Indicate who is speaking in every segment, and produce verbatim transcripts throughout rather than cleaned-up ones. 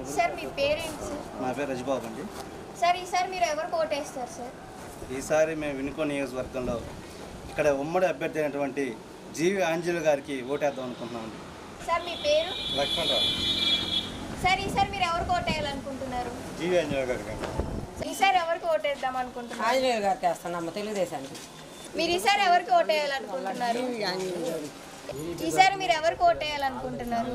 Speaker 1: Sir మీ పేరేంటి sir?
Speaker 2: నా పేరు రజబాబు అండి.
Speaker 1: సార్ ఈసారి మీరు ఎవరికి ఓటేస్తారు సార్?
Speaker 2: ఈసారి మేము వినుకో నియోజకవర్గంలో ఇక్కడ ఉమ్మడి అభ్యర్థి అయినటువంటి జీవి ఆంజలి గారికి ఓటేద్దాం అనుకుంటున్నామండి.
Speaker 1: సార్ మీ పేరు?
Speaker 3: లక్ష్మణరావు.
Speaker 1: సార్ ఈసారి మీరు ఎవరికి ఓటేయాలనుకుంటున్నారు?
Speaker 3: జీవి ఆంజలి గారికి.
Speaker 1: ఈసారి ఎవరికి ఓటేద్దాం అనుకుంటున్నారు?
Speaker 4: ఆంజనేయులు గారికి వేస్తున్నాం, తెలుగుదేశానికి.
Speaker 1: మీరు ఈసారి ఎవరికి ఓటేయాలనుకుంటున్నారు? ఈసారి మీరు ఎవరికి ఓటేయాలనుకుంటున్నారు?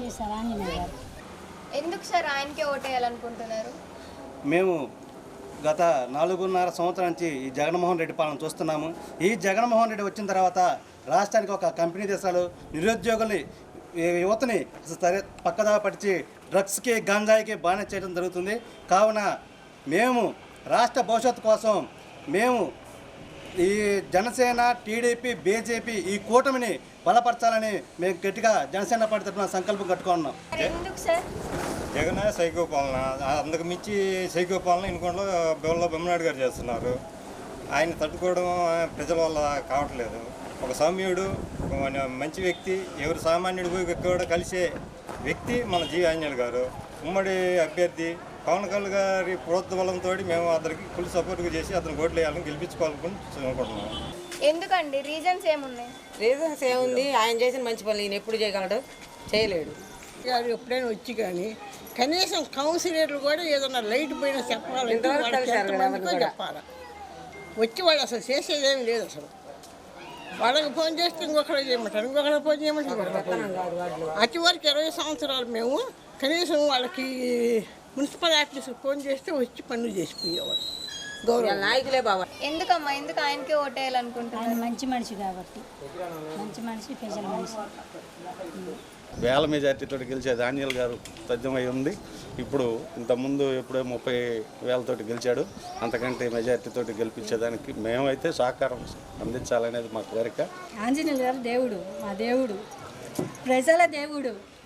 Speaker 1: ఎందుకు సార్ ఆయనకే ఓటేయాలనుకుంటున్నారు?
Speaker 2: మేము గత నాలుగున్నర సంవత్సరం నుంచి ఈ జగన్మోహన్ రెడ్డి పాలన చూస్తున్నాము. ఈ జగన్మోహన్ రెడ్డి వచ్చిన తర్వాత రాష్ట్రానికి ఒక కంపెనీ దేశాలు నిరుద్యోగుల్ని యువతని సరే పక్కదా పడిచి డ్రగ్స్కి గంజాయికి బానిస చేయడం జరుగుతుంది. కావున మేము రాష్ట్ర భవిష్యత్తు కోసం మేము ఈ జనసేన, టీడీపీ, బీజేపీ ఈ కూటమిని బలపరచాలని మేము గట్టిగా జనసేన పార్టీ తరఫున సంకల్పం కట్టుకున్నాం.
Speaker 1: ఎందుకు సార్?
Speaker 3: జగన్ సైకో పాలన, అందుకు మించి సైకో పాలన ఇనుకోంలో బెల్ల బొమ్మనాయుడు గారు చేస్తున్నారు. ఆయన తట్టుకోవడం ప్రజల వల్ల కావట్లేదు. ఒక సౌమ్యుడు, మంచి వ్యక్తి, ఎవరు సామాన్యుడు కూడా కలిసే వ్యక్తి మన జీవి ఆంజనేయులు గారు. ఉమ్మడి అభ్యర్థి పవన్ కళ్యాణ్ గారి ప్రోత్సాహంతో మేము అతనికి ఫుల్ సపోర్ట్గా చేసి అతను ఓట్లు వేయాలని గెలిపించుకోవాలని అనుకుంటున్నాం.
Speaker 1: ఎందుకండి? రీజన్స్ ఏమున్నాయి?
Speaker 4: రీజన్స్ ఏముంది, ఆయన చేసిన మంచి పనులు ఈయన ఎప్పుడు చేయగలడు? చేయలేడు.
Speaker 5: గారు ఎప్పుడైనా వచ్చి కానీ కనీసం కౌన్సిలర్లు కూడా ఏదైనా లైట్ పోయినా చెప్పాలంటే వాళ్ళకి ఎంతమందికో చెప్పాలి. వచ్చి వాళ్ళు అసలు చేసేదేమి లేదు. అసలు వాళ్ళకి ఫోన్ చేస్తే ఇంకొకరికి చేయమంటారు, ఇంకొకరికి ఫోన్ చేయమంటారు. అతి వరకు ఇరవై సంవత్సరాలు మేము కనీసం వాళ్ళకి మున్సిపల్ ఆఫీస్కి ఫోన్ చేస్తే వచ్చి పనులు చేసిపోయేవాళ్ళు. గౌరవ
Speaker 4: నాయకులే బాబా.
Speaker 1: ఎందుకమ్మా ఎందుకు ఆయనకే ఓటేయాలనుకుంటున్నారు?
Speaker 6: ఆయన మంచి మనిషి కాబట్టి, మంచి మనిషి, ప్రజల మనిషి.
Speaker 7: వేల మెజార్టీతో గెలిచేది ఆంజనేయులు గారు తథ్యమై ఉంది. ఇప్పుడు ఇంతకుముందు ఎప్పుడో ముప్పై వేలతోటి గెలిచాడు. అంతకంటే మెజార్టీతో గెలిపించేదానికి మేమైతే సహకారం అందించాలనేది మా కోరిక.
Speaker 6: ఆంజనేయులు గారు దేవుడు, మా దేవుడు, ప్రజల దేవుడు.